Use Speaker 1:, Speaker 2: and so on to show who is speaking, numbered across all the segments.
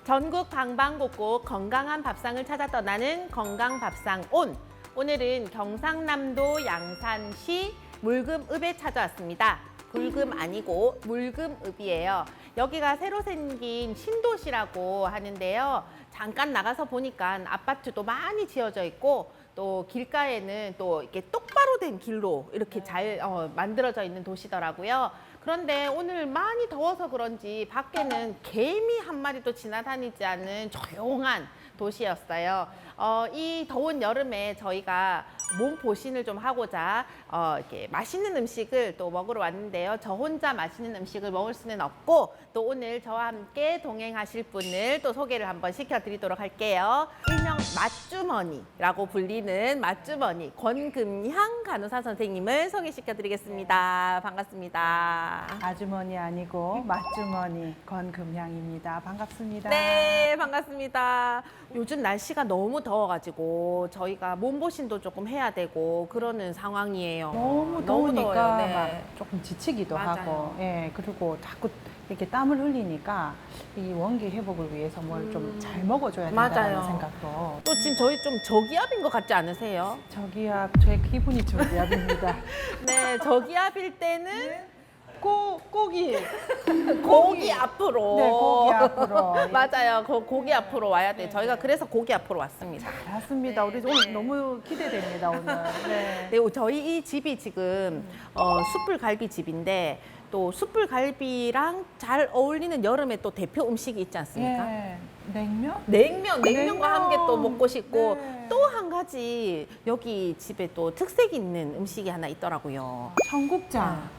Speaker 1: 전국 방방곡곡 건강한 밥상을 찾아 떠나는 건강밥상 온. 오늘은 경상남도 양산시 물금읍에 찾아왔습니다. 굴금 아니고 물금읍이에요. 여기가 새로 생긴 신도시라고 하는데요. 잠깐 나가서 보니까 아파트도 많이 지어져 있고 또 길가에는 또 이렇게 똑바로 된 길로 이렇게 잘 만들어져 있는 도시더라고요. 그런데 오늘 많이 더워서 그런지 밖에는 개미 한 마리도 지나다니지 않는 조용한 도시였어요. 이 더운 여름에 저희가 몸 보신을 좀 하고자 이렇게 맛있는 음식을 또 먹으러 왔는데요. 저 혼자 맛있는 음식을 먹을 수는 없고 또 오늘 저와 함께 동행하실 분을 또 소개를 한번 시켜드리도록 할게요. 일명 맛주머니라고 불리는 맛주머니 권금향 간호사 선생님을 소개시켜드리겠습니다. 반갑습니다.
Speaker 2: 아주머니 아니고 맛주머니 권금향입니다. 반갑습니다.
Speaker 1: 네, 반갑습니다. 요즘 날씨가 너무 더워가지고 저희가 몸보신도 조금 해야 되고 그러는 상황이에요.
Speaker 2: 너무
Speaker 1: 더워요.
Speaker 2: 더우니까
Speaker 1: 네.
Speaker 2: 막 조금 지치기도
Speaker 1: 맞아요.
Speaker 2: 하고, 예, 그리고 자꾸 이렇게 땀을 흘리니까 이 원기 회복을 위해서 뭘 좀 잘 먹어줘야 된다는
Speaker 1: 맞아요.
Speaker 2: 생각도.
Speaker 1: 또 지금 저희 좀 저기압인 것 같지 않으세요?
Speaker 2: 저기압, 제 기분이 저기압입니다.
Speaker 1: 네, 저기압일 때는
Speaker 2: 고기.
Speaker 1: 고기 앞으로.
Speaker 2: 네, 고기 앞으로.
Speaker 1: 맞아요. 고기 앞으로 와야 돼요. 저희가 그래서 고기 앞으로 왔습니다.
Speaker 2: 맞습니다. 우리 오늘 너무 기대됩니다, 오늘. 네.
Speaker 1: 네, 저희 이 집이 지금 숯불갈비 집인데 또 숯불갈비랑 잘 어울리는 여름에 또 대표 음식이 있지 않습니까?
Speaker 2: 예. 냉면?
Speaker 1: 냉면과
Speaker 2: 냉면.
Speaker 1: 함께 또 먹고 싶고
Speaker 2: 네.
Speaker 1: 또 한 가지 여기 집에 또 특색 있는 음식이 하나 있더라고요.
Speaker 2: 청국장.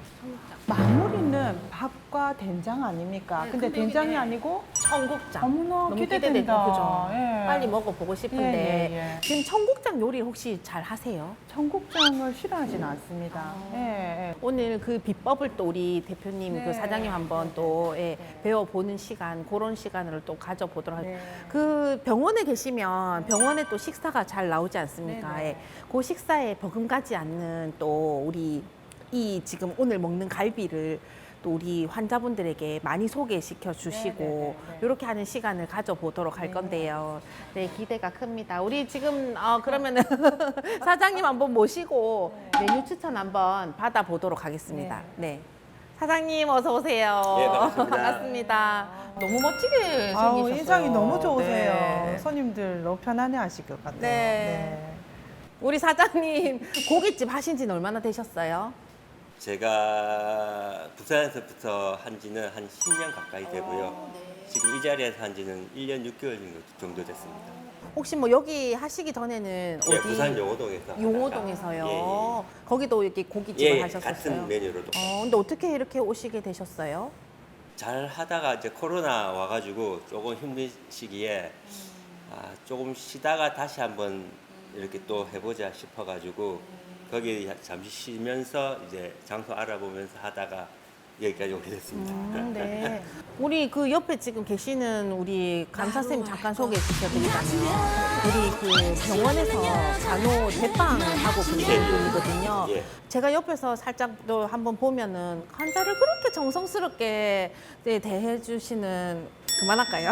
Speaker 2: 마무리는 밥과 된장 아닙니까?
Speaker 1: 네,
Speaker 2: 근데
Speaker 1: 근데
Speaker 2: 된장이
Speaker 1: 이게
Speaker 2: 아니고
Speaker 1: 청국장.
Speaker 2: 어머나
Speaker 1: 너무
Speaker 2: 기대된다.
Speaker 1: 기대되죠, 그죠?
Speaker 2: 예.
Speaker 1: 빨리 먹어보고 싶은데
Speaker 2: 예, 예.
Speaker 1: 지금 청국장 요리 혹시 잘 하세요?
Speaker 2: 청국장을 싫어하진 않습니다. 예, 예.
Speaker 1: 오늘 그 비법을 또 우리 대표님,
Speaker 2: 네.
Speaker 1: 그 사장님 한번 또 배워보는 시간, 그런 시간을 또 가져보도록
Speaker 2: 네.
Speaker 1: 할게요. 그 병원에 계시면 병원에 또 식사가 잘 나오지 않습니까?
Speaker 2: 네, 네.
Speaker 1: 예. 그 식사에 버금가지 않는 또 우리 이 지금 오늘 먹는 갈비를 또 우리 환자분들에게 많이 소개시켜 주시고
Speaker 2: 네, 네, 네, 네.
Speaker 1: 이렇게 하는 시간을 가져보도록 할
Speaker 2: 네.
Speaker 1: 건데요. 네, 기대가 큽니다. 우리 지금 그러면은 사장님 한번 모시고 메뉴 추천 한번 받아보도록 하겠습니다. 네. 사장님 어서 오세요.
Speaker 3: 네, 반갑습니다.
Speaker 1: 반갑습니다. 너무 멋지게 생기셨어요.
Speaker 2: 아우, 인상이 너무 좋으세요.
Speaker 1: 네.
Speaker 2: 손님들 너무 편안해 하실 것 같아요.
Speaker 1: 네. 우리 사장님 고깃집 하신 지는 얼마나 되셨어요?
Speaker 3: 제가 부산에서부터 한 지는 한 10년 가까이 되고요. 지금 이 자리에서 한 지는 1년 6개월 정도 됐습니다.
Speaker 1: 혹시 뭐 여기 하시기 전에는
Speaker 3: 예,
Speaker 1: 어디?
Speaker 3: 부산 용호동에서.
Speaker 1: 용호동에서요.
Speaker 3: 예,
Speaker 1: 거기도 이렇게 고깃집을
Speaker 3: 예, 예,
Speaker 1: 하셨었어요.
Speaker 3: 같은 메뉴로도.
Speaker 1: 근데 어떻게 이렇게 오시게 되셨어요?
Speaker 3: 잘 하다가 이제 코로나 와가지고 조금 힘든 시기에 조금 쉬다가 다시 한번 이렇게 또 해보자 싶어가지고 거기 잠시 쉬면서 이제 장소 알아보면서 하다가 여기까지 오게 됐습니다.
Speaker 1: 네. 우리 그 옆에 지금 계시는 우리 간사 쌤 잠깐 소개해 주셔드리자면 우리 그 병원에서 간호 대빵 하고 계신 분이거든요.
Speaker 3: 예.
Speaker 1: 제가 옆에서 살짝 또 한번 보면은 환자를 그렇게 정성스럽게 대해 주시는 그만할까요?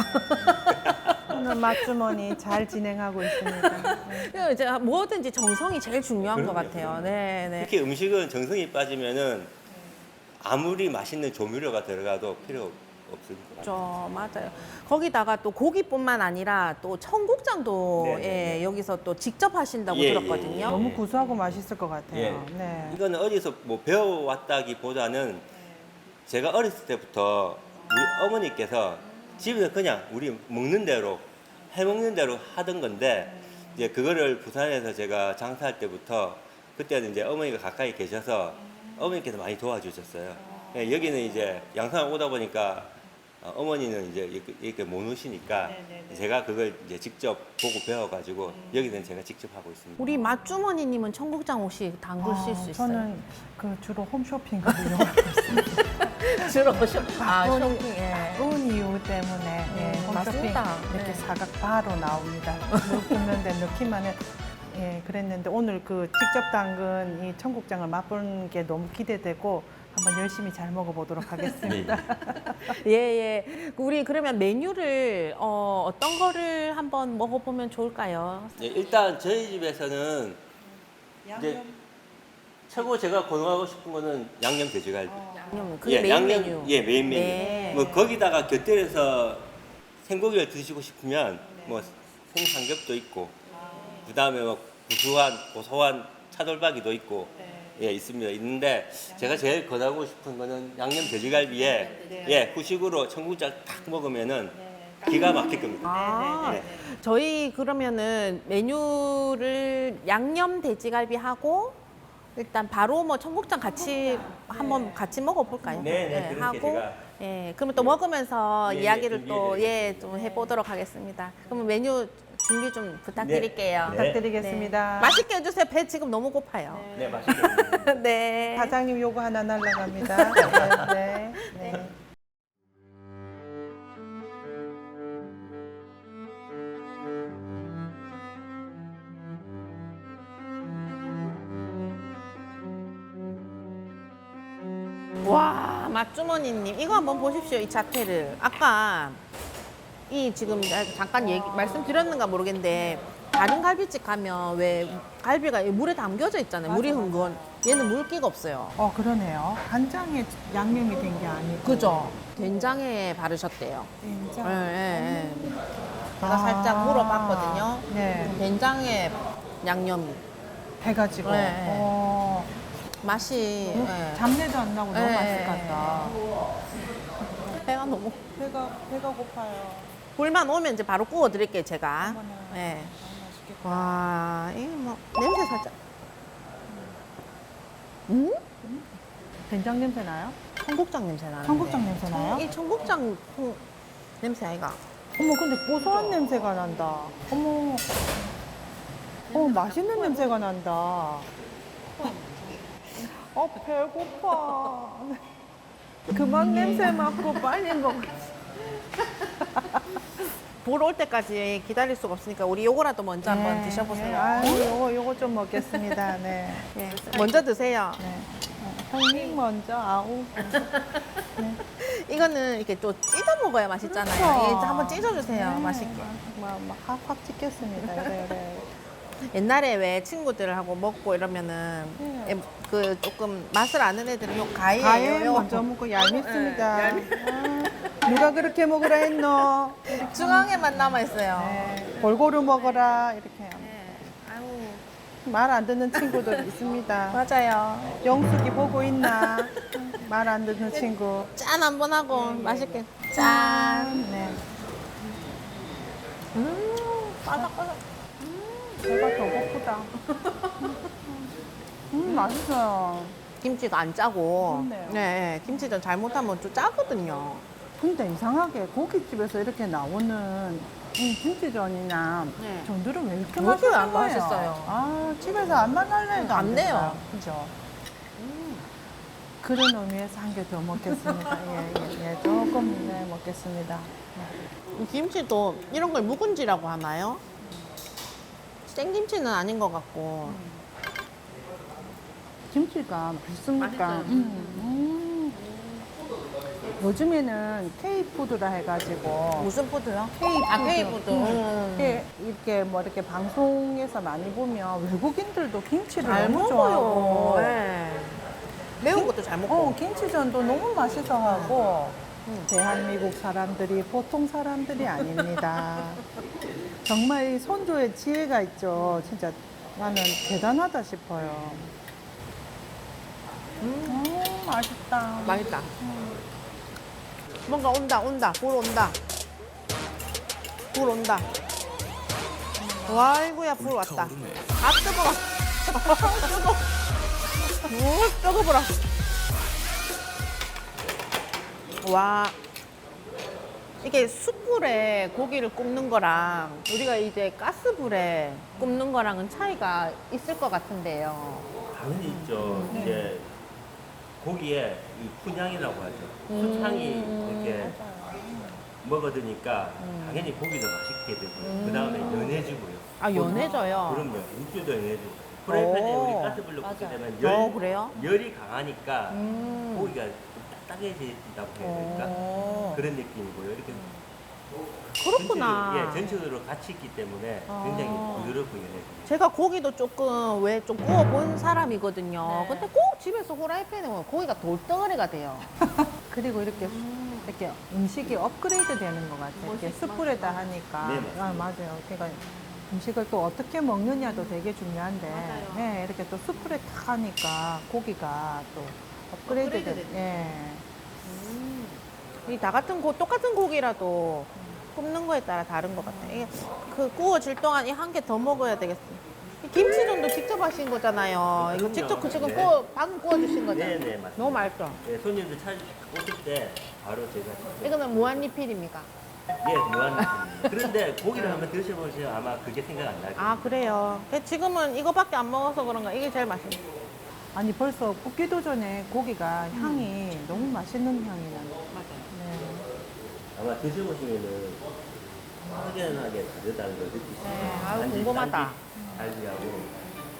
Speaker 2: 오늘 맛주머니 잘 진행하고 있습니다.
Speaker 1: 이제 뭐든지 정성이 제일 중요한 것
Speaker 3: 그럼요,
Speaker 1: 같아요.
Speaker 3: 그럼요.
Speaker 1: 네, 네.
Speaker 3: 특히 음식은 정성이 빠지면은 아무리 맛있는 조미료가 들어가도 필요 없습니다.
Speaker 1: 그렇죠. 맞아요. 거기다가 또 고기뿐만 아니라 또 청국장도
Speaker 3: 네네네.
Speaker 1: 여기서 또 직접 하신다고
Speaker 3: 예,
Speaker 1: 들었거든요.
Speaker 3: 예, 예.
Speaker 2: 너무 구수하고 맛있을 것 같아요.
Speaker 3: 예.
Speaker 2: 네.
Speaker 3: 이거는 어디서 뭐 배워왔다기보다는 제가 어렸을 때부터 우리 어머니께서 집에서 그냥 우리 먹는 대로 해먹는 대로 하던 건데 이제 그거를 부산에서 제가 장사할 때부터 그때는 이제 어머니가 가까이 계셔서 어머니께서 많이 도와주셨어요. 예, 여기는 이제 양산을 오다 보니까 어머니는 이제 이렇게 못 오시니까 제가 그걸 이제 직접 보고 배워가지고 여기는 제가 직접 하고 있습니다.
Speaker 1: 우리 맛주머니님은 청국장 혹시 담그실 수 있어요?
Speaker 2: 저는 그 주로 홈쇼핑을 이용하고 있습니다.
Speaker 1: 주로 쇼핑.
Speaker 2: 바쁜,
Speaker 1: 쇼핑. 예.
Speaker 2: 바쁜 이유 때문에 예, 홈쇼핑
Speaker 1: 맞습니다.
Speaker 2: 이렇게
Speaker 1: 네.
Speaker 2: 사각 바로 나옵니다. 넣는데 넣기만 해. 예, 그랬는데 오늘 그 직접 담근 이 청국장을 맛보는 게 너무 기대되고 한번 열심히 잘 먹어보도록 하겠습니다.
Speaker 3: 예.
Speaker 1: 예. 우리 그러면 메뉴를 어떤 거를 한번 먹어보면 좋을까요?
Speaker 3: 예, 일단 저희 집에서는 이제 최고 제가 권하고 싶은 거는 양념 돼지갈비.
Speaker 1: 양념, 그게 메인
Speaker 3: 양념,
Speaker 1: 메뉴.
Speaker 3: 예, 메인 메뉴.
Speaker 1: 네.
Speaker 3: 뭐 거기다가 곁들여서 생고기를 드시고 싶으면 뭐 생삼겹도 있고, 그다음에 뭐 구수한 고소한 차돌박이도 있고, 예, 있습니다. 있는데 제가 제일 권하고 싶은 거는 양념 돼지갈비에 예, 후식으로 청국장 딱 먹으면은 기가 막힐 겁니다.
Speaker 1: 아, 저희 그러면은 메뉴를 양념 돼지갈비하고 일단 바로 뭐 청국장 같이 한번 같이 먹어볼까요?
Speaker 3: 네, 네, 그렇게
Speaker 1: 하고
Speaker 3: 제가
Speaker 1: 예, 그러면 또 먹으면서
Speaker 3: 예,
Speaker 1: 이야기를
Speaker 3: 예,
Speaker 1: 또
Speaker 3: 준비해드릴게요.
Speaker 1: 예, 좀 해보도록 하겠습니다. 그러면 메뉴 준비 좀 부탁드릴게요.
Speaker 3: 네.
Speaker 2: 부탁드리겠습니다.
Speaker 1: 맛있게 해주세요. 배 지금 너무 고파요.
Speaker 3: 네, 맛있게.
Speaker 1: 네.
Speaker 2: 사장님 요거 하나 날라갑니다. 네. 네.
Speaker 1: 와, 맛주머니님 이거 한번 보십시오. 이 자태를 아까 이 지금 잠깐 말씀드렸는가 모르겠는데 다른 갈비집 가면 왜 갈비가 이 물에 담겨져 있잖아요. 물이 흥건. 얘는 물기가 없어요.
Speaker 2: 그러네요. 간장에 양념이 된 게 아니고.
Speaker 1: 그죠? 된장에 바르셨대요.
Speaker 2: 된장.
Speaker 1: 예, 예, 예. 제가 살짝 물어봤거든요.
Speaker 2: 네.
Speaker 1: 된장에 양념이
Speaker 2: 해가지고.
Speaker 1: 네. 맛이 예.
Speaker 2: 잡내도 안 나고 너무
Speaker 1: 네.
Speaker 2: 맛있을 것 같다.
Speaker 1: 배가 너무
Speaker 2: 배가 고파요.
Speaker 1: 불만 오면 이제 바로 구워 드릴게요, 제가.
Speaker 2: 어머나.
Speaker 1: 예.
Speaker 2: 맛있겠다.
Speaker 1: 와, 이게 뭐 냄새 살짝.
Speaker 2: 된장 냄새 나요?
Speaker 1: 청국장 냄새 나는데.
Speaker 2: 청국장 냄새 나요?
Speaker 1: 이 청국장 냄새 아이가.
Speaker 2: 어머, 근데 고소한 냄새가 난다. 어머. 맛있는 냄새가 난다. 배고파. 그만 냄새 맡고 빨리 먹어.
Speaker 1: 불 올 때까지 기다릴 수가 없으니까 우리 요거라도 먼저 한번 드셔보세요.
Speaker 2: 요거 좀 먹겠습니다. 네.
Speaker 1: 예, 먼저 드세요.
Speaker 2: 네. 형님 먼저, 아우.
Speaker 1: 이거는 이렇게 또 찢어 먹어야 맛있잖아요.
Speaker 2: 그렇죠.
Speaker 1: 예, 한번 찢어주세요.
Speaker 2: 네.
Speaker 1: 맛있게.
Speaker 2: 확 찍겠습니다. 그래.
Speaker 1: 옛날에 왜 친구들하고 먹고 이러면은
Speaker 2: 네.
Speaker 1: 예, 그 조금 맛을 아는 애들은 요 가위예요.
Speaker 2: 가위
Speaker 1: 요.
Speaker 2: 먼저 먹고 얄밉습니다.
Speaker 1: 네,
Speaker 2: 누가 그렇게 먹으라 했노?
Speaker 1: 중앙에만 남아 있어요.
Speaker 2: 네. 골고루 먹어라. 이렇게.
Speaker 1: 네. 아유,
Speaker 2: 말 안 듣는 친구들 있습니다.
Speaker 1: 맞아요.
Speaker 2: 영숙이 보고 있나? 말 안 듣는 친구.
Speaker 1: 짠 한번 하고 맛있게 짠.
Speaker 2: 네.
Speaker 1: 바삭바삭.
Speaker 2: 배가 더 고프다. 맛있어요.
Speaker 1: 김치가 안 짜고.
Speaker 2: 그렇네요.
Speaker 1: 네, 김치전 잘못하면 좀 짜거든요.
Speaker 2: 근데 이상하게 고깃집에서 이렇게 나오는 이 김치전이나
Speaker 1: 네.
Speaker 2: 전들은 왜 이렇게
Speaker 1: 그것도 안
Speaker 2: 맛있는 거예요?
Speaker 1: 맛있어요.
Speaker 2: 아, 집에서 안 만날래 해도
Speaker 1: 안 돼요.
Speaker 2: 된다. 그죠? 그런 의미에서 한 개 더 먹겠습니다. 예. 조금 먹겠습니다. 네.
Speaker 1: 이 김치도 이런 걸 묵은지라고 하나요? 생김치는 아닌 것 같고.
Speaker 2: 김치가 맛있습니까?
Speaker 1: 맛있어요.
Speaker 2: 요즘에는 K푸드라 해가지고
Speaker 1: 무슨 푸드요?
Speaker 2: K푸드.
Speaker 1: 아, K푸드.
Speaker 2: 이렇게 뭐 이렇게 방송에서 많이 보면 외국인들도 김치를
Speaker 1: 잘
Speaker 2: 너무
Speaker 1: 먹어요.
Speaker 2: 좋아하고
Speaker 1: 네. 매운 것도 잘 먹고.
Speaker 2: 김치전도 너무 맛있어 하고 대한민국 사람들이 보통 사람들이 아닙니다. 정말 이 선조의 지혜가 있죠. 진짜 나는 대단하다 싶어요. 맛있다.
Speaker 1: 맛있다. 뭔가 온다. 불 온다. 불 온다. 와, 아이고야, 불 왔다. 아, 뜨거워. 뜨거워. 뜨거워라. 와. 이게 숯불에 고기를 굽는 거랑 우리가 이제 가스불에 굽는 거랑은 차이가 있을 것 같은데요.
Speaker 3: 당연히 있죠. 이제 고기에 이 푼향이라고 하죠. 숯향이 이렇게 먹어드니까 당연히 고기도 맛있게 되고요. 그 다음에 연해지고요.
Speaker 1: 아, 연해져요.
Speaker 3: 그럼요. 육수도 연해지고. 프라이팬에
Speaker 1: 오.
Speaker 3: 우리 가스불로 굽게
Speaker 2: 맞아요.
Speaker 3: 되면
Speaker 1: 그래요?
Speaker 3: 열이 강하니까
Speaker 1: 음.
Speaker 3: 고기가 좀 딱딱해진다고 해야 될까?
Speaker 1: 오.
Speaker 3: 그런 느낌이고요. 이렇게
Speaker 1: 그렇구나.
Speaker 3: 전체적으로 같이 있기 때문에 굉장히 부드럽고 연해집니다.
Speaker 1: 제가 고기도 조금 왜 좀 구워본 사람이거든요.
Speaker 2: 네.
Speaker 1: 근데 꼭 집에서 후라이팬에 보면 고기가 돌덩어리가 돼요.
Speaker 2: 그리고 이렇게 음식이 업그레이드 되는 것 같아요. 이렇게 숯불에다 하니까.
Speaker 3: 네, 맞습니다.
Speaker 2: 맞아요. 그러니까 음식을 또 어떻게 먹느냐도 되게 중요한데,
Speaker 1: 맞아요.
Speaker 2: 네, 이렇게 또 숯불에 탁 하니까 고기가 또 업그레이드
Speaker 1: 업그레이드
Speaker 2: 되는.
Speaker 1: 되죠.
Speaker 2: 예.
Speaker 1: 이 다 같은 똑같은 고기라도 굽는 거에 따라 다른 것 같아요. 이게 그 구워질 동안 이 한 개 더 먹어야 되겠어요. 이 김치전도 직접 하신 거잖아요. 이거 직접 지금
Speaker 3: 네.
Speaker 1: 방금 구워주신 거잖아요.
Speaker 3: 네, 맞습니다.
Speaker 1: 너무 맛있죠?
Speaker 3: 네, 손님들 오실 때 바로 제가
Speaker 1: 이거는 무한리필입니까?
Speaker 3: 예, 무한입니다. 그런데 고기를 한번 드셔보시면 아마 그게 생각 안 날 거예요.
Speaker 1: 아, 그래요. 지금은 이거밖에 안 먹어서 그런가 이게 제일 맛있어요.
Speaker 2: 아니, 벌써 굽기도 전에 고기가 향이 너무 맛있는 향이 나요.
Speaker 1: 맞아요.
Speaker 2: 네.
Speaker 3: 아마 드셔보시면은 확연하게 다르다는 걸 느끼실 거예요.
Speaker 1: 네, 아유, 궁금하다.
Speaker 3: 달지하고.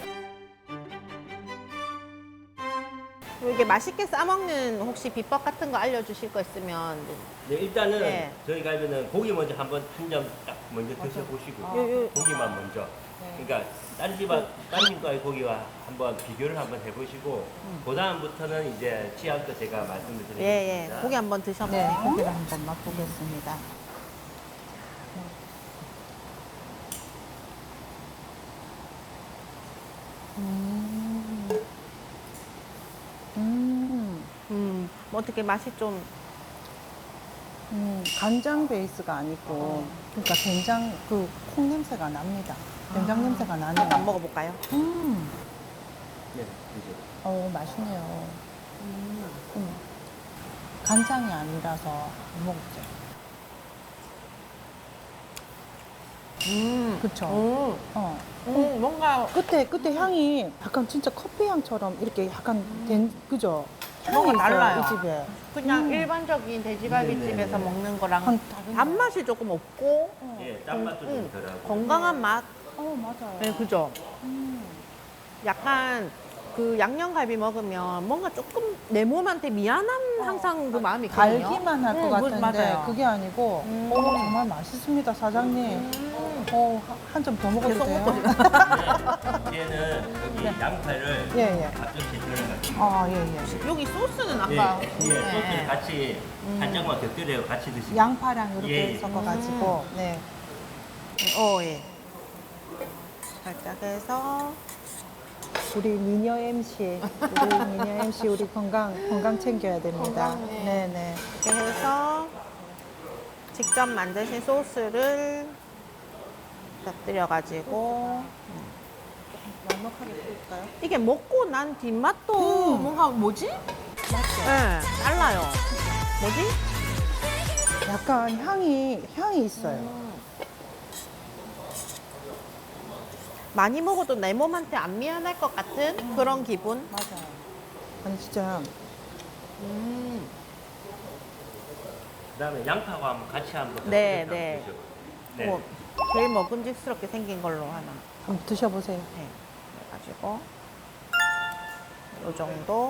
Speaker 1: 이게 맛있게 싸먹는 혹시 비법 같은 거 알려주실 거 있으면.
Speaker 3: 네, 일단은
Speaker 1: 네.
Speaker 3: 저희 갈비는 고기 먼저 한번 한 점 딱 먼저 드셔보시고
Speaker 1: 요.
Speaker 3: 고기만 먼저. 그러니까 다른 집과의 고기와 한번 비교를 한번 해보시고 그 다음부터는 이제 취향껏 제가 말씀을 드리겠습니다.
Speaker 1: 예, 예. 고기 한번 드셔보세요.
Speaker 2: 네, 고기를 한번 맛보겠습니다.
Speaker 1: 뭐 어떻게 맛이 좀.
Speaker 2: 간장 베이스가 아니고, 그러니까 된장, 그 콩 냄새가 납니다. 된장 냄새가 나네요.
Speaker 1: 한번 먹어볼까요?
Speaker 3: 네, 이제.
Speaker 2: 맛있네요. 간장이 아니라서 안 먹었죠. 그쵸?
Speaker 1: 뭔가
Speaker 2: 그때 향이 약간 진짜 커피 향처럼 이렇게 약간 그죠?
Speaker 1: 뭔가
Speaker 2: 향이 있어요,
Speaker 1: 달라요.
Speaker 2: 이 집에.
Speaker 1: 그냥 일반적인 돼지갈비집에서
Speaker 3: 네네네.
Speaker 1: 먹는 거랑
Speaker 2: 다른
Speaker 1: 단맛이 조금 없고
Speaker 3: 예, 짠맛도 좀 덜하고.
Speaker 1: 건강한 맛.
Speaker 2: 맞아요.
Speaker 1: 네, 그죠? 약간 그 양념갈비 먹으면 뭔가 조금 내 몸한테 미안한 항상 그 마음이 있거든요.
Speaker 2: 달기만 할 것 같은데
Speaker 1: 맞아요.
Speaker 2: 그게 아니고 정말 맛있습니다, 사장님. 한 점 더 먹어도
Speaker 1: 계속
Speaker 2: 돼요?
Speaker 1: 먹고 싶어요.
Speaker 3: 네, 이제는 여기 양파를
Speaker 2: 예, 예.
Speaker 3: 앞접시에 들어가지고
Speaker 2: 예.
Speaker 1: 여기 소스는
Speaker 3: 예,
Speaker 1: 아까
Speaker 3: 소스를 같이 한장만 곁들여 같이 드시면
Speaker 2: 양파랑 이렇게
Speaker 3: 예, 예.
Speaker 2: 섞어가지고, 네.
Speaker 1: 예. 살짝 해서
Speaker 2: 우리 미녀 MC, 우리 건강 챙겨야 됩니다.
Speaker 1: 건강해.
Speaker 2: 네네.
Speaker 1: 이렇게 해서 직접 만드신 소스를 곁들여가지고
Speaker 2: 넉넉하게 뿌릴까요?
Speaker 1: 이게 먹고 난 뒷맛도 뭔가 뭐지? 네, 달라요. 뭐지?
Speaker 2: 약간 향이 있어요.
Speaker 1: 많이 먹어도 내 몸한테 안 미안할 것 같은 그런 기분?
Speaker 2: 맞아요. 아니 진짜
Speaker 3: 그다음에 양파와 한번 같이 한번
Speaker 1: 네,
Speaker 3: 곁들여서
Speaker 1: 네.
Speaker 3: 드셔보세요. 네.
Speaker 1: 뭐 제일 먹음직스럽게 생긴 걸로 하나.
Speaker 2: 한번 드셔보세요.
Speaker 1: 네. 해가지고 요 정도.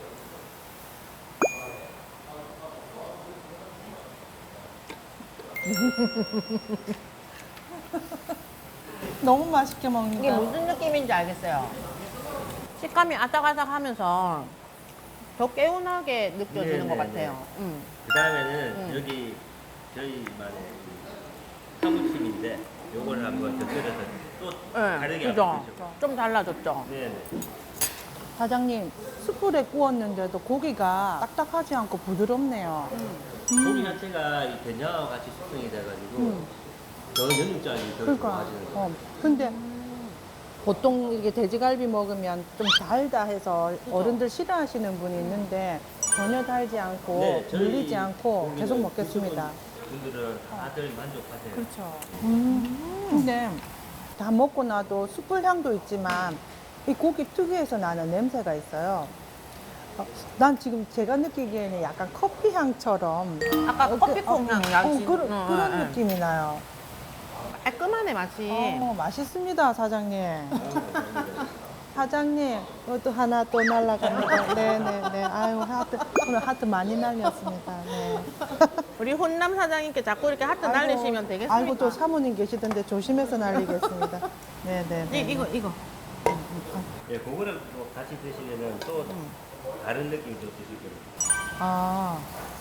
Speaker 2: 너무 맛있게
Speaker 1: 이게
Speaker 2: 먹는다.
Speaker 1: 무슨 느낌인지 알겠어요. 식감이 아삭아삭하면서 더 개운하게 느껴지는
Speaker 3: 네,
Speaker 1: 것
Speaker 3: 네,
Speaker 1: 같아요.
Speaker 3: 그다음에는 여기 저희만의 사무침인데 요거를 한번 곁들여서 또 다르게
Speaker 1: 그죠?
Speaker 3: 한번 드셔보세요.
Speaker 1: 좀 달라졌죠?
Speaker 3: 네, 네.
Speaker 2: 사장님, 숯불에 구웠는데도 고기가 딱딱하지 않고 부드럽네요.
Speaker 3: 고기 자체가 이 된장하고 같이 숙성이 돼가지고 더 연육장이 더
Speaker 2: 그러니까.
Speaker 3: 좋아지는 거예요.
Speaker 2: 근데 보통 이게 돼지갈비 먹으면 좀 달다 해서 어른들 싫어하시는 분이 있는데 전혀 달지 않고
Speaker 3: 네, 저희
Speaker 2: 물리지 않고
Speaker 3: 고기는
Speaker 2: 계속 먹겠습니다.
Speaker 3: 드셔본 분들은 다들 만족하세요.
Speaker 2: 그렇죠. 근데 다 먹고 나도 숯불 향도 있지만 이 고기 특유에서 나는 냄새가 있어요. 난 지금 제가 느끼기에는 약간 커피 향처럼
Speaker 1: 아까 커피콩 향 나지?
Speaker 2: 그런 느낌이 나요.
Speaker 1: 깔끔하네 맛이.
Speaker 2: 맛있습니다, 사장님. 사장님, 이것도 하나 또 날라갑니다. 네네네. 아유, 하트, 오늘 하트 많이 날렸습니다. 네.
Speaker 1: 우리 혼남 사장님께 자꾸 이렇게 하트 날리시면 되겠습니까?
Speaker 2: 아이고, 또 사모님 계시던데 조심해서 날리겠습니다. 네네네.
Speaker 1: 이거.
Speaker 3: 예, 그거랑 또 같이 드시면은 또 다른 느낌이 또 드실 거예요.
Speaker 2: 아.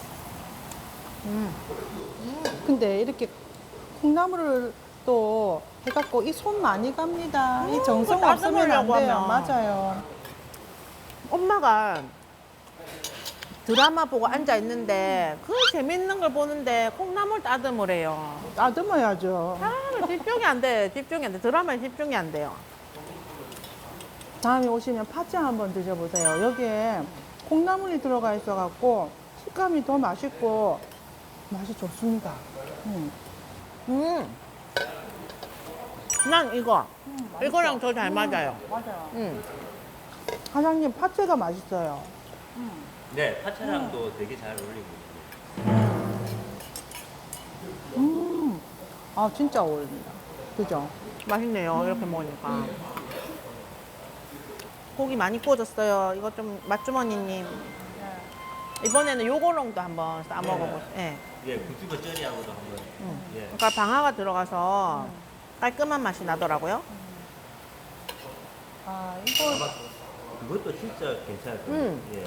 Speaker 2: 근데 이렇게 콩나물을 또 해갖고 이 손 많이 갑니다. 이 정성
Speaker 1: 그거
Speaker 2: 없으면 안
Speaker 1: 따듬으려고
Speaker 2: 돼요.
Speaker 1: 하면.
Speaker 2: 맞아요.
Speaker 1: 엄마가 드라마 보고 앉아 있는데 그 재밌는 걸 보는데 콩나물 따듬으래요.
Speaker 2: 따듬어야죠.
Speaker 1: 아, 집중이 안 돼. 드라마에 집중이 안 돼요.
Speaker 2: 다음에 오시면 파채 한번 드셔보세요. 여기에 콩나물이 들어가 있어갖고 식감이 더 맛있고 맛이 좋습니다.
Speaker 1: 난 이거랑 더 잘 맞아요.
Speaker 2: 맞아요. 사장님 파채가 맛있어요.
Speaker 3: 네, 파채랑도 되게 잘 어울리고
Speaker 2: 아 진짜 어울립니다. 그죠?
Speaker 1: 맛있네요. 이렇게 먹으니까. 고기 많이 구워졌어요. 이거 좀 맛주머니님. 이번에는 요거랑도 한번 싸 먹어보세요. 예.
Speaker 3: 예, 구찌버 쩌리하고도 한번. 예.
Speaker 1: 그러니까 방아가 들어가서 깔끔한 맛이 나더라고요.
Speaker 2: 아 이거
Speaker 3: 아마 그것도 진짜 괜찮을 거예요. 예.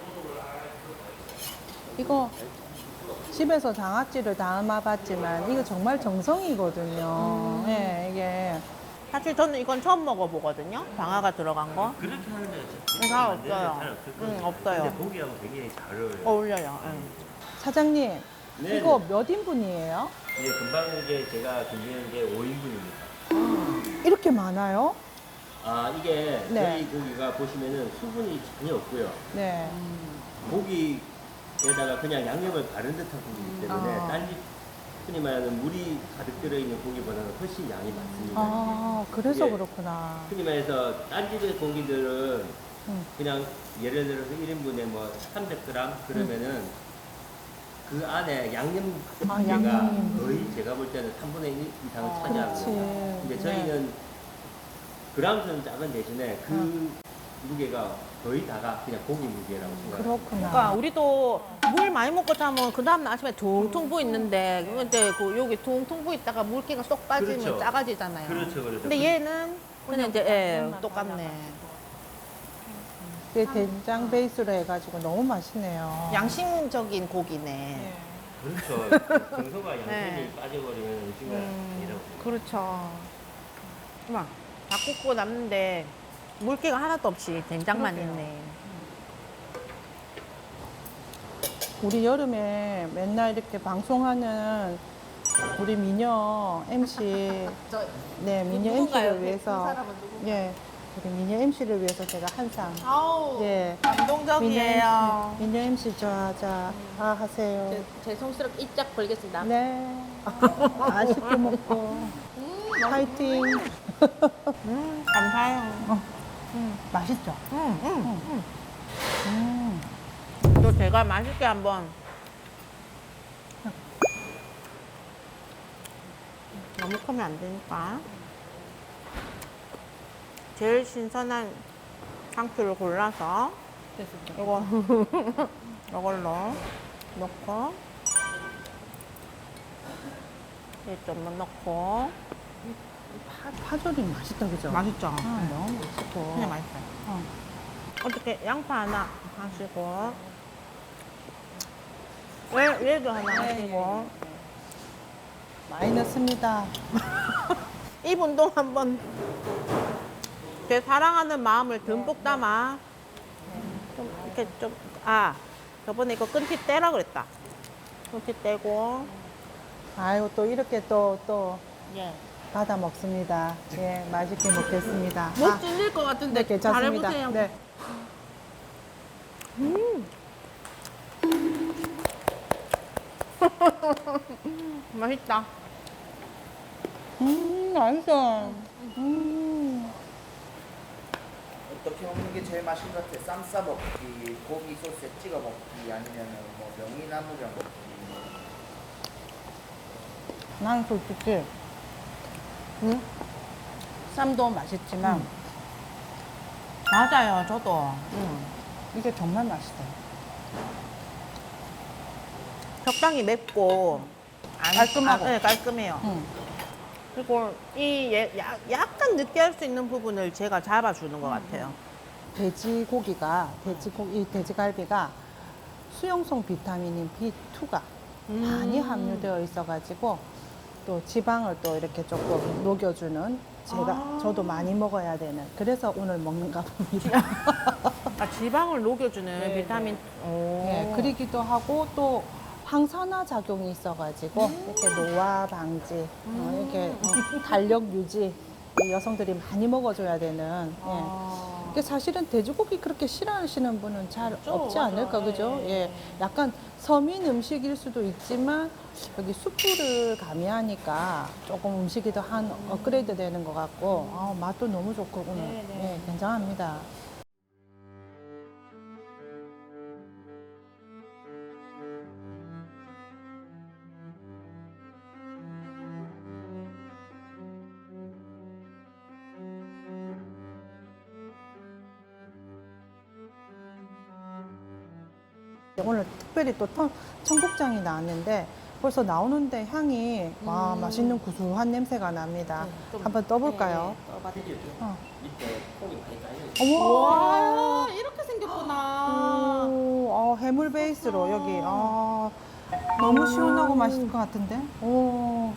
Speaker 2: 이거 집에서 장아찌를 담아봤지만 이거 정말 정성이거든요. 예, 이게
Speaker 1: 사실 저는 이건 처음 먹어보거든요. 방아가 들어간 거.
Speaker 3: 그렇게 하는데
Speaker 1: 잘
Speaker 3: 만드는 데는
Speaker 1: 없어요.
Speaker 3: 잘 없을 거예요.
Speaker 1: 없어요.
Speaker 3: 근데 고기하고 되게 잘 어울려요.
Speaker 1: 어울려요.
Speaker 2: 사장님
Speaker 3: 네,
Speaker 2: 이거
Speaker 3: 네.
Speaker 2: 몇 인분이에요?
Speaker 3: 예, 금방 이제 제가 준비한 게 5인분입니다.
Speaker 2: 이렇게 많아요?
Speaker 3: 아, 이게
Speaker 2: 네.
Speaker 3: 저희 고기가 보시면은 수분이 전혀 없고요.
Speaker 2: 네.
Speaker 3: 고기에다가 그냥 양념을 바른 듯한 고기이기 때문에
Speaker 2: 아.
Speaker 3: 딴지 흔히 말하는 물이 가득 들어있는 고기보다는 훨씬 양이 많습니다.
Speaker 2: 아 그래서
Speaker 3: 예.
Speaker 2: 그렇구나.
Speaker 3: 흔히 말해서 딴 집의 고기들은
Speaker 2: 음.
Speaker 3: 그냥 예를 들어서 1인분에 뭐 300g 그러면은 그 안에 양념
Speaker 2: 아,
Speaker 3: 무게가
Speaker 2: 양념이.
Speaker 3: 거의 제가 볼 때는 3분의 1 이상을
Speaker 2: 아,
Speaker 3: 차지하는
Speaker 2: 그렇지.
Speaker 3: 겁니다. 근데 저희는 그람수는 작은 대신에 그 무게가 거의 다가 그냥 고기 무게라고 생각합니다.
Speaker 2: 그렇구나.
Speaker 1: 그러니까 우리도 물 많이 먹고 자면 그 다음날 아침에 퉁퉁 부어 있는데 근데 그 여기 퉁퉁 부어 있다가 물기가 쏙 빠지면
Speaker 3: 그렇죠.
Speaker 1: 작아지잖아요.
Speaker 3: 그렇죠.
Speaker 1: 근데 얘는 그냥 이제 똑같네.
Speaker 2: 이게 된장 베이스로 해가지고 너무 맛있네요.
Speaker 1: 양심적인 고기네.
Speaker 3: 그렇죠. 정서가 양념이
Speaker 1: 네.
Speaker 3: 빠져버리면 음식은 아니라고.
Speaker 1: 그렇죠. 막 다 굽고 남는데 물기가 하나도 없이 된장만
Speaker 2: 그러게요.
Speaker 1: 있네.
Speaker 2: 우리 여름에 맨날 이렇게 방송하는 우리 미녀 MC, 네 미녀 MC를 위해서, 예, 우리 미녀 MC를 위해서 제가 한상,
Speaker 1: 아우
Speaker 2: 예,
Speaker 1: 감동적이에요.
Speaker 2: 미녀 MC 좋아하자 하세요.
Speaker 1: 죄송스럽게 이짝 벌겠습니다.
Speaker 2: 네, 맛있게 먹고 파이팅.
Speaker 1: 감사해요.
Speaker 2: 맛있죠?
Speaker 1: 또 제가 맛있게 한번 너무 크면 안 되니까 제일 신선한 상추를 골라서 이거 이걸로 넣고 이 좀만 넣고
Speaker 2: 파절이 맛있다 그죠?
Speaker 1: 맛있죠?
Speaker 2: 아, 너무 맛있고.
Speaker 1: 그냥 맛있어요. 어떻게 양파 하나 하시고 얘도 하나 하시고
Speaker 2: 많이 넣습니다.
Speaker 1: 이 운동 한번 제 사랑하는 마음을 듬뿍 담아 좀 이렇게 저번에 이거 끈티 떼라 그랬다. 끈티 떼고
Speaker 2: 아이고 또 이렇게 또
Speaker 1: 예.
Speaker 2: 받아 먹습니다. 예, 맛있게 먹겠습니다.
Speaker 1: 못 찔릴 것 같은데
Speaker 2: 네, 괜찮습니다.
Speaker 1: 잘해보세요.
Speaker 2: 네.
Speaker 1: 맛있다.
Speaker 2: 맛있어.
Speaker 4: 어떻게 먹는 게 제일 맛있는 것 같아? 쌈 싸 먹기, 고기 소스에 찍어 먹기, 아니면 뭐 명이나물이랑 먹기.
Speaker 2: 난 솔직히 쌈도 맛있지만
Speaker 1: 맞아요, 저도.
Speaker 2: 이게 정말 맛있어요.
Speaker 1: 적당히 맵고
Speaker 2: 깔끔하고.
Speaker 1: 네, 깔끔해요. 그리고 약간 느끼할 수 있는 부분을 제가 잡아주는 것 같아요.
Speaker 2: 돼지고기가 이 돼지갈비가 수용성 비타민인 B2가 많이 함유되어 있어가지고 또 지방을 또 이렇게 조금 녹여주는 저도 많이 먹어야 되는 그래서 오늘 먹는가 봅니다.
Speaker 1: 아, 지방을 녹여주는
Speaker 2: 네,
Speaker 1: 비타민. 오.
Speaker 2: 네, 그러기도 하고 또 항산화 작용이 있어가지고 이렇게 노화 방지, 이렇게 달력 유지 여성들이 많이 먹어줘야 되는. 예. 이게 사실은 돼지고기 그렇게 싫어하시는 분은 잘 없지 않을까, 그죠? 예. 약간 서민 음식일 수도 있지만 여기 숯불을 가미하니까 조금 음식이 더 한 업그레이드 되는 것 같고 맛도 너무 좋고 오늘 예, 굉장합니다. 오늘 특별히 또 청국장이 나왔는데 벌써 나오는데 향이 와 맛있는 구수한 냄새가 납니다. 한번 떠볼까요?
Speaker 3: 밑에 콩이 많이 깔려 있어요.
Speaker 1: 와, 이렇게 생겼구나.
Speaker 2: 오, 해물 베이스로 여기 너무 시원하고 맛있을 것 같은데? 오,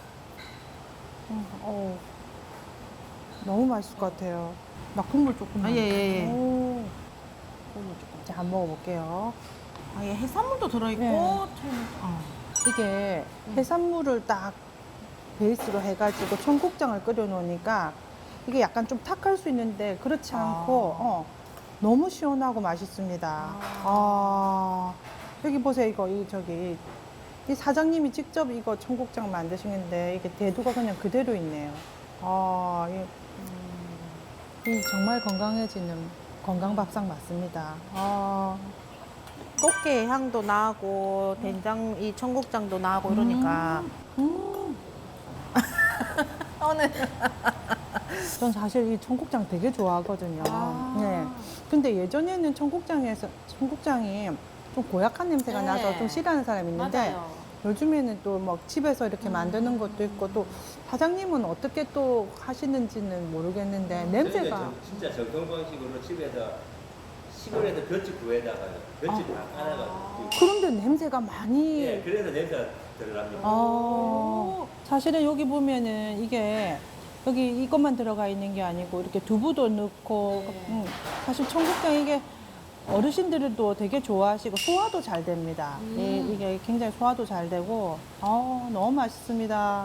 Speaker 2: 너무 맛있을 것 같아요. 나 국물 조금.
Speaker 1: 아, 예.
Speaker 2: 오. 자, 한번 먹어볼게요.
Speaker 1: 아, 예, 해산물도 들어있고.
Speaker 2: 네. 이게 해산물을 딱 베이스로 해가지고 청국장을 끓여 놓으니까 이게 약간 좀 탁할 수 있는데 그렇지 않고 너무 시원하고 맛있습니다. 여기 보세요. 이 사장님이 직접 이거 청국장 만드시는데 이게 대두가 그냥 그대로 있네요. 이 정말 건강해지는 건강밥상 맞습니다.
Speaker 1: 꽃게 향도 나고 된장 이 청국장도 나고 이러니까 오늘
Speaker 2: 전 사실 이 청국장 되게 좋아하거든요. 네. 근데 예전에는 청국장이 좀 고약한 냄새가
Speaker 1: 네.
Speaker 2: 나서 좀 싫어하는 사람이 있는데 요즘에는 또 막 집에서 이렇게 만드는 것도 있고 또 사장님은 어떻게 또 하시는지는 모르겠는데 냄새가
Speaker 3: 저희는 진짜 정통 방식으로 집에서 시골에서 볏짚 구에다가 볏짚 다 깔아가지고
Speaker 2: 그런데 냄새가 많이
Speaker 3: 예, 그래서 냄새가 들어갑니다.
Speaker 2: 사실은 여기 보면은 이게 여기 이것만 들어가 있는 게 아니고 이렇게 두부도 넣고 사실 청국장 이게 어르신들도 되게 좋아하시고 소화도 잘 됩니다. 이게 굉장히 소화도 잘 되고 너무 맛있습니다.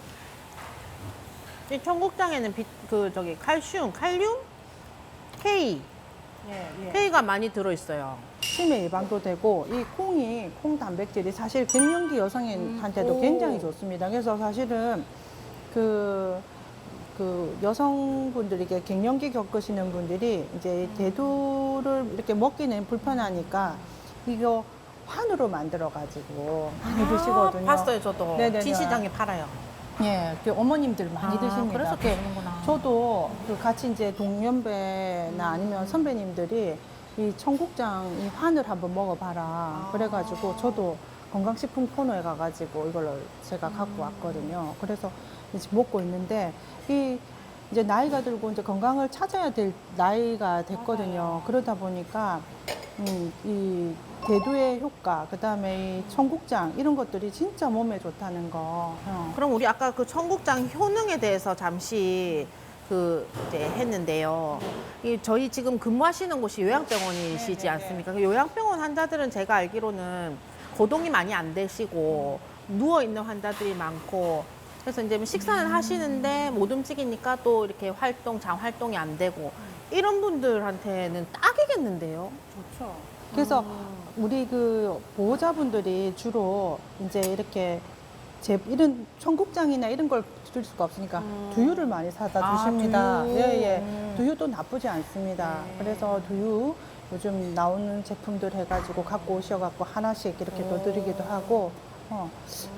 Speaker 1: 이 청국장에는 칼륨? K. K가 많이 들어있어요.
Speaker 2: 치매 예방도 되고 이 콩 단백질이 사실 갱년기 여성한테도 굉장히 좋습니다. 그래서 사실은 그 여성분들이 이게 갱년기 겪으시는 분들이 이제 대두를 이렇게 먹기는 불편하니까 이거 환으로 만들어 가지고 많이 드시거든요.
Speaker 1: 봤어요, 저도.
Speaker 2: 네네네.
Speaker 1: 진시장에 팔아요.
Speaker 2: 예, 그 어머님들 많이 드십니다.
Speaker 1: 그래서
Speaker 2: 그
Speaker 1: 드시는구나.
Speaker 2: 저도 그 같이 이제 동년배나 아니면 선배님들이 이 청국장 이 환을 한번 먹어봐라. 그래가지고 저도 건강식품 코너에 가가지고 이걸 제가 갖고 왔거든요. 그래서 이제 먹고 있는데 이제 나이가 들고 이제 건강을 찾아야 될 나이가 됐거든요. 그러다 보니까 이 대두의 효과, 그다음에 이 청국장 이런 것들이 진짜 몸에 좋다는 거.
Speaker 1: 그럼 우리 아까 그 청국장 효능에 대해서 잠시 이제 했는데요. 저희 지금 근무하시는 곳이 요양병원이시지 않습니까? 그 요양병원 환자들은 제가 알기로는 거동이 많이 안 되시고 누워 있는 환자들이 많고 그래서 이제 식사는 하시는데 못 움직이니까 또 이렇게 장 활동이 안 되고 이런 분들한테는 딱이겠는데요.
Speaker 2: 좋죠. 그래서 우리 그 보호자분들이 주로 이제 이렇게 이런 청국장이나 이런 걸 드실 수가 없으니까 두유를 많이 사다 주십니다.
Speaker 1: 두유.
Speaker 2: 예. 두유도 나쁘지 않습니다. 그래서 두유 요즘 나오는 제품들 해가지고 갖고 오셔갖고 하나씩 이렇게 또 드리기도 하고,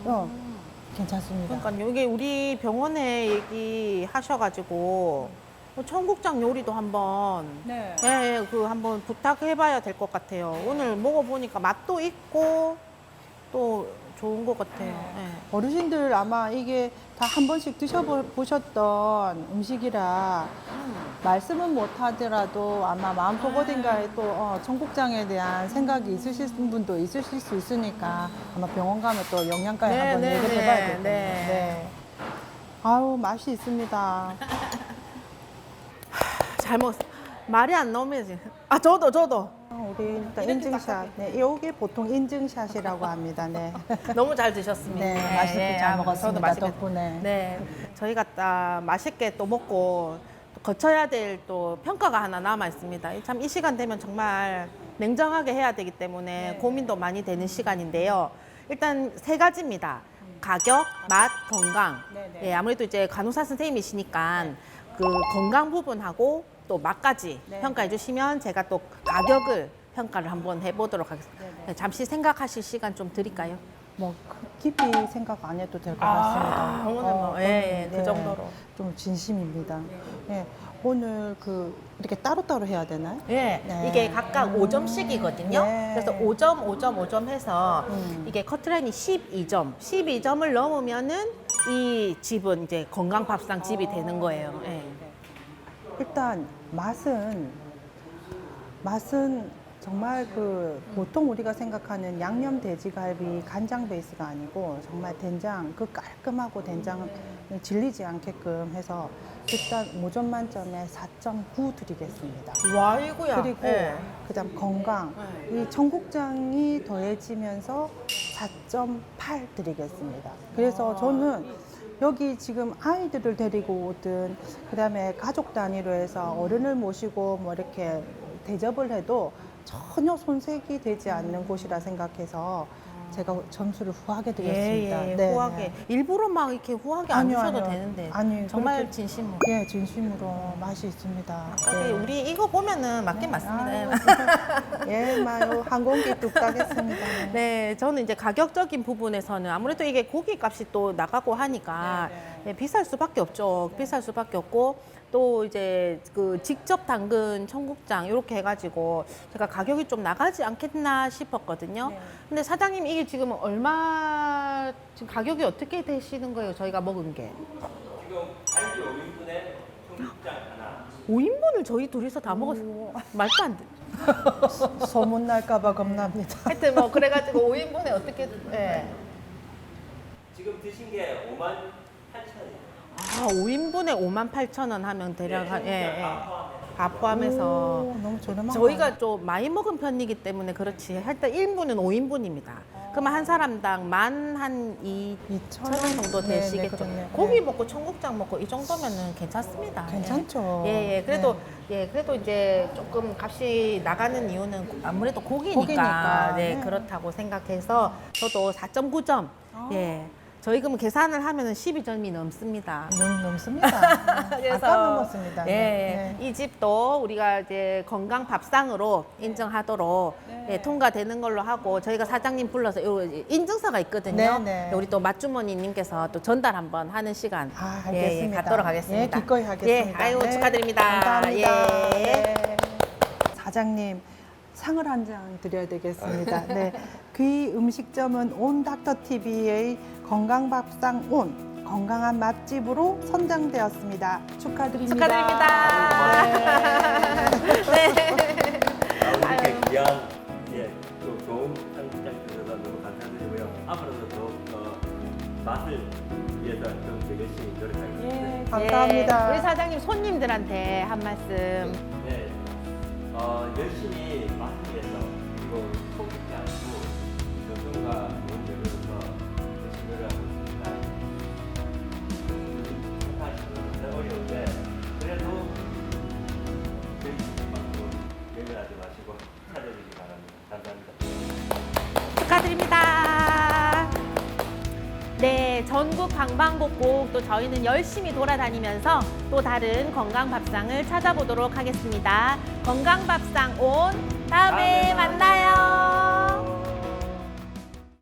Speaker 2: 괜찮습니다.
Speaker 1: 그러니까 이게 우리 병원에 얘기하셔가지고 청국장 요리도 한번
Speaker 2: 네.
Speaker 1: 예, 그 한번 부탁해봐야 될 것 같아요. 오늘 먹어보니까 맛도 있고 또 좋은 것 같아요. 예.
Speaker 2: 어르신들 아마 이게 다 한 번씩 드셔보셨던 음식이라 말씀은 못 하더라도 아마 마음속 어딘가에 또 청국장에 대한 생각이 있으실 분도 있으실 수 있으니까 아마 병원 가면 또 영양가에
Speaker 1: 네,
Speaker 2: 한번
Speaker 1: 네,
Speaker 2: 얘기를
Speaker 1: 네,
Speaker 2: 해봐야 되겠네요.
Speaker 1: 네.
Speaker 2: 네. 아우 맛이 있습니다.
Speaker 1: 잘 먹었어. 말이 안 나오면 지금. 아, 저도.
Speaker 2: 우리 일단 인증샷. 네, 이게 보통 인증샷이라고 합니다. 네.
Speaker 1: 너무 잘 드셨습니다.
Speaker 2: 네, 맛있게 잘 먹었습니다.
Speaker 1: 저도 맛있게
Speaker 2: 덕분에.
Speaker 1: 네, 저희가 딱 맛있게 또 먹고 또 거쳐야 될 또 평가가 하나 남아 있습니다. 참 이 시간 되면 정말 냉정하게 해야 되기 때문에 고민도 많이 되는 시간인데요. 일단 세 가지입니다. 가격, 맛, 건강.
Speaker 2: 네네.
Speaker 1: 예, 아무래도 이제 간호사 선생님이시니까 그 건강 부분하고 또 맛까지
Speaker 2: 네.
Speaker 1: 평가해 주시면 제가 또 가격을 평가를 한번 해보도록 하겠습니다. 네, 잠시 생각하실 시간 좀 드릴까요?
Speaker 2: 뭐 깊이 생각 안 해도 될 것 같습니다.
Speaker 1: 오늘 뭐, 예, 그 정도로.
Speaker 2: 좀 진심입니다. 예, 오늘 그 이렇게 따로따로 해야 되나요?
Speaker 1: 네,
Speaker 2: 네.
Speaker 1: 이게 각각 5점씩이거든요.
Speaker 2: 네.
Speaker 1: 그래서 5점, 5점, 5점 해서 이게 커트라인이 12점. 12점을 넘으면은 이 집은 이제 건강밥상 집이 되는 거예요. 예.
Speaker 2: 일단 맛은 정말 그 보통 우리가 생각하는 양념 돼지갈비 간장 베이스가 아니고 정말 된장 그 깔끔하고 된장을 질리지 않게끔 해서 일단 5점 만점에 4.9 드리겠습니다.
Speaker 1: 와, 이거야.
Speaker 2: 그리고 그다음 건강 이 청국장이 더해지면서 4.8 드리겠습니다. 그래서 저는 여기 지금 아이들을 데리고 오든 그다음에 가족 단위로 해서 어른을 모시고 뭐 이렇게 대접을 해도 전혀 손색이 되지 않는 곳이라 생각해서 제가 점수를 후하게 드렸습니다.
Speaker 1: 예, 예,
Speaker 2: 네,
Speaker 1: 후하게.
Speaker 2: 네.
Speaker 1: 일부러 막 이렇게 후하게 안
Speaker 2: 아니요,
Speaker 1: 주셔도
Speaker 2: 아니요.
Speaker 1: 되는데.
Speaker 2: 아니,
Speaker 1: 정말
Speaker 2: 그렇게-
Speaker 1: 진심으로.
Speaker 2: 예, 진심으로 맛이 있습니다. 네.
Speaker 1: 우리 이거 보면은 맞긴 맞습니다.
Speaker 2: 아유, 예, 마요 한 공기 뚝 따겠습니다. 네.
Speaker 1: 네, 저는 이제 가격적인 부분에서는 아무래도 이게 고기 값이 또 나가고 하니까 예, 비쌀 수밖에 없죠. 비쌀 수밖에 없고 또 이제 그 직접 담근 청국장 이렇게 해가지고 제가 가격이 좀 나가지 않겠나 싶었거든요. 근데 사장님 이게 지금 얼마 지금 가격이 어떻게 되시는 거예요? 저희가 먹은 게
Speaker 3: 지금 갈비 5인분에 청국장 하나.
Speaker 1: 5인분을 저희 둘이서 다 먹었어요. 말도 안 돼.
Speaker 2: 소문 날까봐 겁납니다.
Speaker 1: 하여튼 뭐 그래가지고 5인분에 어떻게 예.
Speaker 3: 지금 드신 게 58,000원이에요.
Speaker 1: 아, 5인분에 58,000원 하면 대략 한, 예, 예. 밥 포함해서
Speaker 2: 오, 너무 저렴하다.
Speaker 1: 저희가 좀 많이 먹은 편이기 때문에 그렇지. 일단 1인분은 5인분입니다. 그러면 한 사람당 12,000원 정도
Speaker 2: 네, 네,
Speaker 1: 되시겠죠.
Speaker 2: 그렇네요.
Speaker 1: 고기
Speaker 2: 네.
Speaker 1: 먹고 청국장 먹고 이 정도면은 괜찮습니다.
Speaker 2: 괜찮죠.
Speaker 1: 예, 예. 그래도
Speaker 2: 네.
Speaker 1: 예, 그래도 이제 조금 값이 나가는 이유는 아무래도 고기니까,
Speaker 2: 고기니까.
Speaker 1: 네,
Speaker 2: 네.
Speaker 1: 그렇다고 생각해서 저도 4.9점. 예. 저희 그럼 계산을 하면은 12점이 넘습니다.
Speaker 2: 넘습니다.
Speaker 1: 그래서
Speaker 2: 아까 넘었습니다.
Speaker 1: 예,
Speaker 2: 네.
Speaker 1: 이 집도 우리가 이제 건강 밥상으로 인정하도록 예, 통과되는 걸로 하고 저희가 사장님 불러서 요 인증서가 있거든요.
Speaker 2: 네, 네.
Speaker 1: 우리 또 맛주머니님께서 또 전달 한번 하는 시간
Speaker 2: 아,
Speaker 1: 예, 예,
Speaker 2: 알겠습니다.
Speaker 1: 갖도록 하겠습니다.
Speaker 2: 예, 기꺼이 하겠습니다.
Speaker 1: 예, 아유
Speaker 2: 네,
Speaker 1: 축하드립니다.
Speaker 2: 감사합니다.
Speaker 1: 예.
Speaker 2: 네. 사장님 상을 한 장 드려야 되겠습니다. 네, 귀 음식점은 온 닥터 TV의 건강밥상 온 건강한 맛집으로 선정되었습니다. 축하드립니다.
Speaker 1: 축하드립니다.
Speaker 2: 네.
Speaker 1: 네.
Speaker 3: 이렇게 귀한 또 좋은 청국장 주셔서 너무 감사드리고요. 앞으로도 더욱 맛을 위해서 좀 더 열심히 노력하겠습니다.
Speaker 2: 예, 감사합니다.
Speaker 1: 예, 우리 사장님 손님들한테 한 말씀.
Speaker 3: 네, 열심히 맛을 위해서 그리고 속이지 않고 정성과 좋은 재료로서 열심히 노력하고 있습니다. 생각하시는 건 어려운데 그래도 저희 집만큼 예민하지 마시고 찾아주시기 바랍니다. 감사합니다.
Speaker 1: 축하드립니다. 네, 전국 방방곡곡 또 저희는 열심히 돌아다니면서 또 다른 건강밥상을 찾아보도록 하겠습니다. 건강밥상 온 다음에 만나요.